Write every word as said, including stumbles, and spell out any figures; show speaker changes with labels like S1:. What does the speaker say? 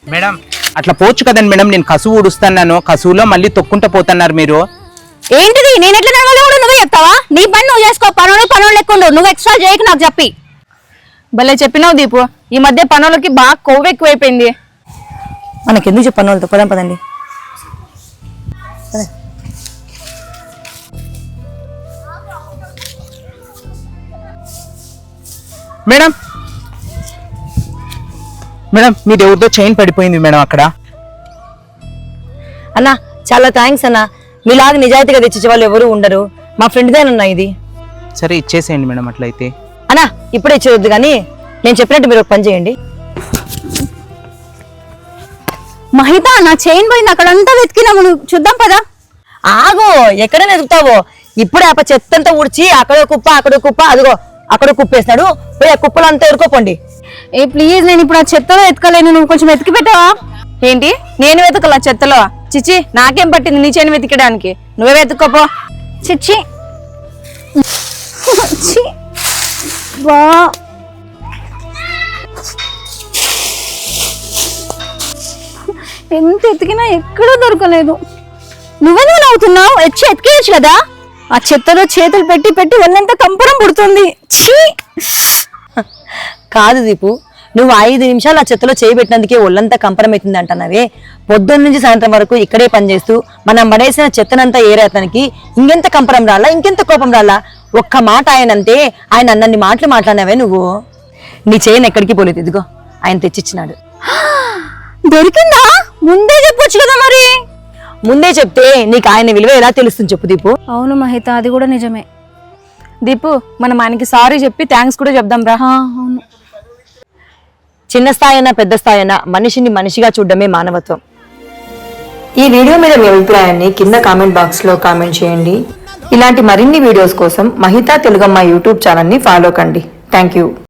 S1: Madam అట్లా పోవచ్చు కదండి మేడం, నేను కసువు ఊడుస్తున్నాను, కసువులో మళ్ళీ తొక్కుంటూ పోతున్నారు మీరు.
S2: ఏంటిది? నేను ఎట్లా నడవాలో కూడా నువ్వే చెప్తావా? నీ పని నువ్వు చేసుకో, పనులు పనులు లెక్కుండు, నువ్వు ఎక్స్ట్రా చేయకు నాకు చెప్పి.
S3: భలే చెప్పినావు దీపు, ఈ మధ్య పనులకి బాగా కొవ్వు ఎక్కువైపోయింది.
S2: మనకెందుకు చెప్పు పనులతో, పదం పదండి.
S1: మేడం మేడం మీది ఎవరితో చైన్ పడిపోయింది మేడం అక్కడ.
S2: అన్నా చాలా థ్యాంక్స్ అన్నా, మీలాగా నిజాయితీగా తెచ్చిచ్చే వాళ్ళు ఎవరు ఉండరు, మా ఫ్రెండ్దేనన్నా ఇది.
S1: సరే ఇచ్చేసేయండి మేడం అట్లయితే.
S2: అన్నా ఇప్పుడే ఇచ్చేయొద్దు కానీ నేను చెప్పినట్టు మీరు ఒక పని చేయండి. మహిత నా చైన్ పోయింది, అక్కడంతా వెతికినాము, చూద్దాం పదా. ఆగో, ఎక్కడైనా వెతుకుతావో, ఇప్పుడే ఆ చెత్తంతా ఊడ్చి అక్కడో కుప్ప అక్కడో కుప్ప, అదిగో అక్కడ కుప్పేస్తాడు, పోయి ఆ కుప్పలు అంతా ఎరుకోపోండి. ఏ ప్లీజ్, నేను ఇప్పుడు ఆ చెత్తలో వెతకలేను, నువ్వు కొంచెం వెతికి పెట్టావా?
S3: ఏంటి నేను వెతకలా చెత్తలో? చిచ్చి, నాకేం పట్టింది నీ చేను వెతికడానికి, నువ్వే వెతుక్కోపో.
S2: చిచ్చి బా ఎంత ఎతికినా ఎక్కడా దొరకలేదు. నువ్వెందుకు నవ్వుతున్నావు? వచ్చి ఎతికేయచ్చు కదా. ఆ చెత్తలో చేతులు పెట్టి పెట్టి ఒళ్ళంతా కంపరం పుడుతుంది. కాదు దీపు, నువ్వు ఐదు నిమిషాలు ఆ చెత్తలో చేయబెట్టినందుకే ఒళ్ళంతా కంపరం అవుతుంది అంటున్నావే. పొద్దున్న నుంచి సాయంత్రం వరకు ఇక్కడే పనిచేస్తూ మనం పడేసిన చెత్తనంతా ఏరేతనికి ఇంకెంత కంపరం రాలా, ఇంకెంత కోపం రాలా? ఒక్క మాట ఆయనంతే, ఆయన అన్నన్ని మాటలు మాట్లాడినావే నువ్వు. నీ చేయను ఎక్కడికి పోలేదు, ఇదిగో ఆయన తెచ్చిచ్చినాడు. దొరికిందా? ముందే చెప్పొచ్చు కదా. మరి ముందే చెప్తే నీకు ఆయన విలువ ఎలా తెలుస్తుంది చెప్పు దీపు. అవును మహిత, అది కూడా నిజమే.
S3: దీపు మనం ఆయనకి సారీ చెప్పి థ్యాంక్స్ కూడా చెప్దాం రా.
S2: అవును, చిన్న స్థాయి అయినా పెద్ద స్థాయి అయినా మనిషిని మనిషిగా చూడడమే మానవత్వం. ఈ వీడియో మీద మీ అభిప్రాయాన్ని కింద కామెంట్ బాక్స్ లో కామెంట్ చేయండి. ఇలాంటి మరిన్ని వీడియోస్ కోసం మహితా తెలుగమ్మ యూట్యూబ్ ఛానల్ ని ఫాలో కండి. Thank you.